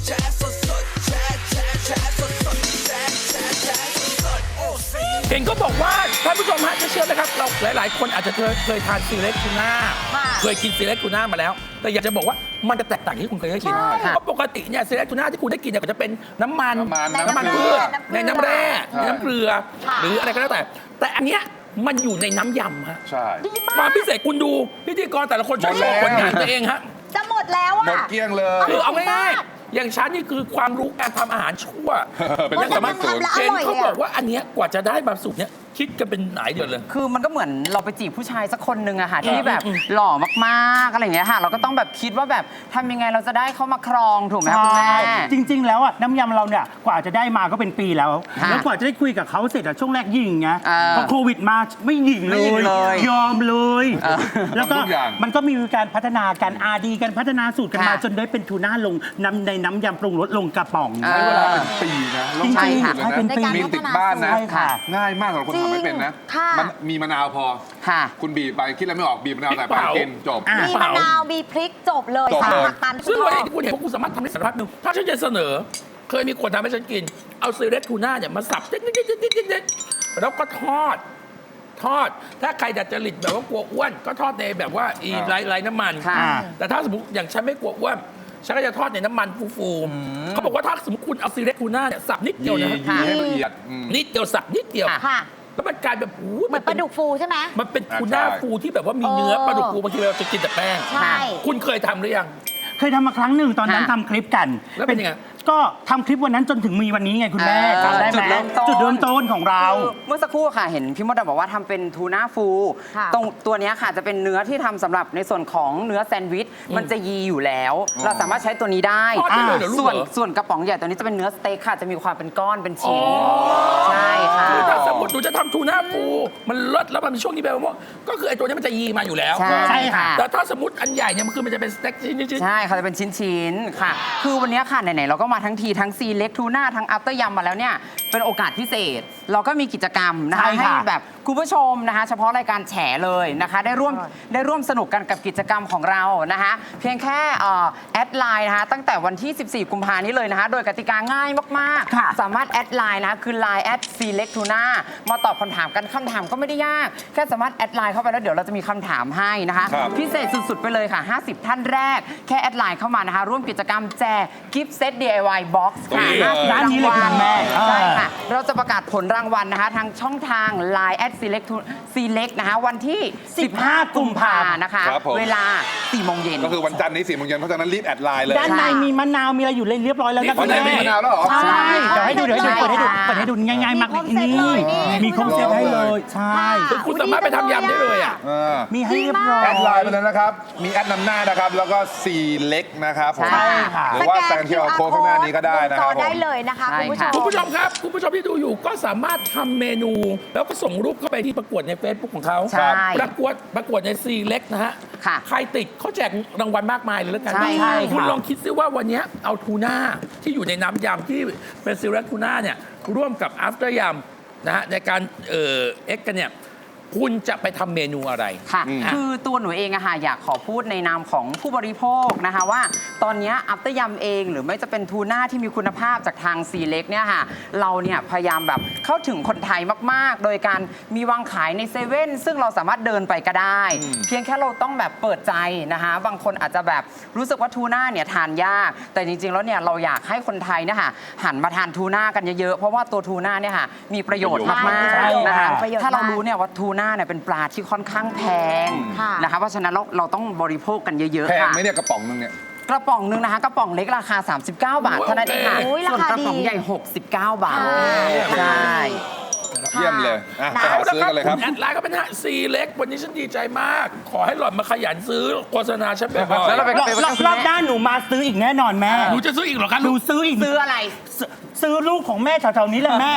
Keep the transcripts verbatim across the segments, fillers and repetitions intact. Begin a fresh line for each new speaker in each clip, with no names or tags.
เห็นก็บอกว่าท่านผู้ชมฮะจะเชื่อไหมครับเราหลาย ๆ คนอาจจะเคยเคยทานซีเล็กทูน่าเคยกินซีเล็กทูน่ามาแล้วแต่อยากจะบอกว่ามันจะแตกต่างที่คุณเคยได้กินเพราะปกติเนี่ยซีเล็กทูน่าที่คุณได้กินเนี่ยก็จะเป็นน้ำมันน้ำมันพืชในน้ำแร่ในน้ำเกลือหรืออะไรก็แล้วแต่แต่อันเนี้ยมันอยู่ในน้ำยำฮะ
ใช่
ความพิเศษคุณดูพิธีกรแต่ละคนช่วยโชว์ผลงานตัวเองฮะ
จะหมดแล้วอ่ะ
หมดเกลี้ยงเลย
คือเอาง่ายๆอย่างฉันนี่คือความรู้การทำอาหารชั่ว
เป็นเรื่องสามารถสูตร
แล้วอ
เจน
ร่อย
เขา
เลย
บอก
อะ
ว่าอันเนี้ยกว่าจะได้บางสูตรเนี้ยคิดกันเป็นหลายเดือนเลย
คือมันก็เหมือนเราไปจีบผู้ชายสักคนหนึ่งอะค่ะที่แบบ
อืม
หล่อมากๆอะไรอย่างเงี้ยค่ะ เราก็ต้องแบบคิดว่าแบบทำยังไงเราจะได้เข้ามาครองถูกไหมคะคุณแม่
จริง ๆ แล้วอ่ะน้ำยำเราเนี่ยกว่าจะได้มาก็เป็นปีแล้ว
ค่ะ
แล้วกว่าจะได้คุยกับเขาเสร็จอะช่วงแรกยิงไง
เออ
พอโควิดมาไม่ยิงเล
ไม่หยิ่ง
ย
เลย
ยอมเลย
เออ
แล้วก็
ทำทุกอย่าง
มันก็มีการพัฒนาการอาดีการพัฒนาสูตรกันมา
ค่ะ
จนได้เป็นทูน่าลงน้ำในน้ำยำปรุงรสลงกระป๋อง
เอ
ใช้
อ
เวลาเป็นปีนะลง
จริงๆ
ทุน
ใช่เป็นปี
มีติดบ้านนะ
ใช่ค่ะ
ง่ายมากสำหรับคนทำไม่เป็นนะ
ค่ะ
มันมีมะนาวพอ
ค่ะ
คุณบีบไปคิดอะไรไม่ออกบีบมะนาวใส่
พริ
ไป
กเผา
กินจบ
อ่ะ
มีมะนาวมีพริกจบเลย
จบ
สาม
เลย
ผักตัน
ซึ่ง
ช
วัน
อ
นี้
บ
ที่คุณเห็นว่าคุณสามารถทำได้สารพัดหนึ่งถ้าฉันจะเสนอ เคยมีคนทำให้ฉันกิน เอาซีเล็กทูน่าเนี่ยมาสับเด็ดๆๆๆๆแล้วก็ทอด ทอด ถ้าใครดัดจริตแบบว่ากลัวอ้วน ก็ทอดในแบบว่าอีไร้ไร้น้ำมัน
ค่ะ
แต่ถ้าสมมติอย่างฉันไม่กลัวอ้วนฉันก็จะทอดในน้ำมันฟูๆเขาบอกว่าถ้าสมมติคุณเอาซีเล็กทูน่าเนี่ยสับนิดเดียวนะ
ยีให้ละเอียดอืม
นิดเดียวสับนิดเดียว
ค่ะ
แล้วมันกลายแบบโอ้โ
เหมือนปลาดุกฟูใช่ไหม
มันเป็นทูน่า
ใช่
ฟูที่แบบว่ามีเนื้อปลาดุกฟูบางทีเราจะกินแต่แป้ง
ใช่
คุณเคยทำหรือยัง
เคยทำมาครั้งหนึ่งตอนนั้น
ค่ะ
ทำคลิปกัน
แล้วเป็นยังไง
ก็ทำคลิปวันนั้นจนถึงมีวันนี้ไงคุณแม่
เออ
จำได้ไหม
จุดเริ่มต้น
จุดเริ่มต้นของเรา
คือเมื่อสักครู่ค่ะเห็นพี่มดดำบอกว่าทำเป็นทูน่าฟู
ค่ะ
ตรงตัวเนี้ยค่ะจะเป็นเนื้อที่ทำสำหรับในส่วนของเนื้อแซนด์วิชมันจะยีอยู่แล้ว เราสามารถใช้ตัวนี้ได้
ทอดได้เลยเหรอลูก
ส่วน
เหรอ
ส่วนกระป๋องใหญ่ตัวนี้จะเป็นเนื้อสเต็กค่ะจะมีความเป็นก้อนเป็นชิ้นใช่ค่ะ
คือถ้าสมมติหนูจะทำทูน่าฟูมันเลิศแล้วมันมีช่วงนี้แบบว่าก็คือไอ้ตัวนี้มันจะยีมาอยู่แล้ว
ใช่
ใช่ค่ะ
แต่ถ้าสมมติอันใหญ่เนี่ยมันคือมันจะเป็นสเต็กชิ้นๆ
ใช่ค่ะจะเป็นชิ้นๆค่ะ คือวันนี้ค่ะไหนๆเราก็มาทั้งทีทั้งซีเล็กทูน่าทั้งอัปเตอร์ยำมาแล้วเนี่ยเป็นโอกาสพิเศษ เราก็มีกิจกรรมนะคะ
ใช่ค่ะ
ให้แบบคุณผู้ชมนะคะ เฉพาะรายการแฉเลยนะคะ ได้ร่วมได้ร่วมสนุกกันกับกิจกรรมของเรานะคะ เพียงแค่เอ่อแอดไลน์นะคะตั้งแต่วันที่ สิบสี่ กุมภานี้เลยนะคะ โดยกติกาง่ายมาก
ค่ะ
ๆ สามารถแอดไลน์นะคะคือ ไลน์ แอด ซีเล็กทูน่า มาตอบคำถามกันคำถามก็ไม่ได้ยาก แค่สามารถแอดไลน์เข้าไปแล้วเดี๋ยวเราจะมีคำถามให้นะคะ
ครับ
พิเศษสุด ๆ ไปเลยค่ะ ห้าสิบ ท่านแรก แค่แอดไลน์เข้ามานะคะ ร่วมกิจกรรมแจกกิฟต์เซต ดี ไอ วาย Box ค่ะ
ตรงนี้เลย
ร้านนี้เลยคุณแม่
ใช่ค่ะ เราจะประกาศผลรางวัลนะคะ ทางช่องทาง ไลน์ แอด Select Select นะคะ วันที่ สิบห้า กุมภานะคะ
ครับผม
เวลา สี่ โมงเย็น
ก็คือวันจันทร์นี้สี่โมงเย็นเพราะฉะนั้นรีบแอดไลน์เลย
ด้านในมีมะนาวมีอะไรอยู่เลยเรียบร้อยแล้วนะ
วันไหนมีมะนาวแล้วเหรอ
ใช่เดี๋ยวให้ดูเดี๋ยวให้ดูเปิดให้ดู
ใช่
เปิดให้ดูง่ายๆมาก
มีครบเซตเลยนี่
มีครบเซตให้เลยใช่
คือคุณสามารถไปทำยำได้เลยอ่ะ
เออ
มีให้เรียบร้อย
แอดไลน์ไปเลยนะครับ มีแอดนำหน้านะครับ แล้วก็ซีเล็กนะครับผม
ใช่ค่ะ
หรือว่าแซงเคียวโค้ดข้างหน้านี้ก็ได้นะค
จ
รั
อบ
ผม
ได้เลยนะคะ
ใช่
คุณผู้ช
ค่ะ
ม
คุณผู้ชมครับ คุณผู้ชมที่ดูอยู่ก็สามารถทำเมนู แล้วก็ส่งรูปเข้าไปที่ประกวดใน Facebook ของเขา
ใช่
ประกวดประกวดในซีเล็กนะฮะ
ค่ะ
ใครติดเขาแจกรางวัลมากมายเลยแล้วกัน
ใช่ค่ะ
คุณลองคิดซิว่าวันนี้เอาทูน่าที่อยู่ในน้ำยำที่เป็นซีเล็กทูน่าเนี่ยร่วมกับอัฟเตอร์ยำนะฮะในการเอ่อเอ็กกันเนี่ยคุณจะไปทำเมนูอะไร
ค่ะ
อืม
คือตัวหนูเองอะค่ะอยากขอพูดในนามของผู้บริโภคนะคะว่าตอนเนี้อัปเตอร์ยำเองหรือไม่จะเป็นทูน่าที่มีคุณภาพจากทางซีเล็กเนี่ยค่ะเราเนี่ยพยายามแบบเข้าถึงคนไทยมากๆ โดยการมีวางขายในเซเว่นซึ่งเราสามารถเดินไปก็ได้ เพียงแค่เราต้องแบบเปิดใจนะคะบางคนอาจจะแบบรู้สึกว่าทูน่าเนี่ยทานยากแต่จริงๆแล้วเนี่ยเราอยากให้คนไทยเนี่ยค่ะหันมาทานทูน่ากันเยอะๆเพราะว่าตัวทูน่าเนี่ยค่ะมีประโยชน์มาก
ใช่
ๆนะคะ
ประโยชน์
ถ้าเรา
มาก
รู้เนี่ยว่าทูน่าเนี่ยเป็นปลาที่ค่อนข้างแพง
ค่ะ
นะคะเพราะฉะนั้นเราเราต้องบริโภคกันเยอะ
แพ
ๆ
ง
ค่ะ
ไหมเนี่ยกระป๋องนึงเนี่ย
กระป๋องหนึงนะคะกระป๋องเล็กราคา สามสิบเก้า บาทเท่านั้นเองค่ะ
โอ้ยรา
ส่วน
คาก
ระป๋อง
ดี
ใหญ่ หกสิบเก้า บาท
ใช่
ใช่
เยี่ยมเลยอ่ะไป
เอา
หา
ละ
ซื้อ
ครับ
กันเลยครับ
คุณแอดไลน์ก็เป็นฮะซีเล็กวันนี้ฉันดีใจมาก ขอให้หล่อนมาขยันซื้อโฆษณาฉันบ่อย
แล้วเราไป
รอบรอบรอบด้านหนูมาซื้ออีกแน่นอนแม่
ๆหนูจะซื้ออีกเหรอคะ
หนู
ลูก
ซื้ออีก
ซื้ออะไร
ซื้อซื้อลูกของแม่แถวๆนี้แหละแม่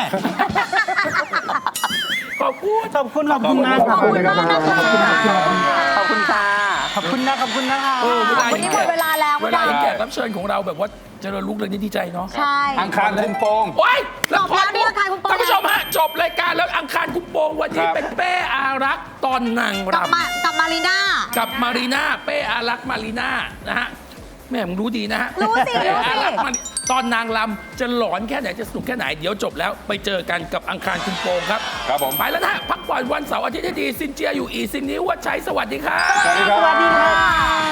ขอบคุณ
ขอบคุณขอบคุณนะ
ขอบคุณมากนะคะ
ขอบคุณค่ะ
ขอบคุณนะขอบคุณนะคะ
เออเวลา
วันนี้หมดเวลาแล้ว
เวลา
คุณ
แข
ดาว
กรับเชิญของเราแบบว่าเจริญรุ่งเรืองนี่ดีใจเนาะ
ใช่
อังคารคุมโปง
โอ้ย
จบแล้วนี่อังคารคุมโปง
ท่านผู้ชมฮะจบรายการแล้วอังคารคุมโปงวันนี้
ครับ
เป็นเป้อารักษ์ตอนนาง
กลับ
รำ
มากับมารีน่า
กับมารีน่าเป้อารักษ์มารีน่านะฮะแม่มึงรู้ดีนะฮะ
รู้สิรู้สิ
มันตอนนางลำจะหลอนแค่ไหนจะสนุกแค่ไหนเดี๋ยวจบแล้วไปเจอกันกับอังคารคุณโปงครับ
ครับผม
ไปแล้วนะฮะพักผ่อนวันเสาร์อาทิตย์ให้ดีซินเจียอยู่อีซินนี้ว่าใช้สวัสดีครับ
สวัสดีครับ
สวัสดีค่ะ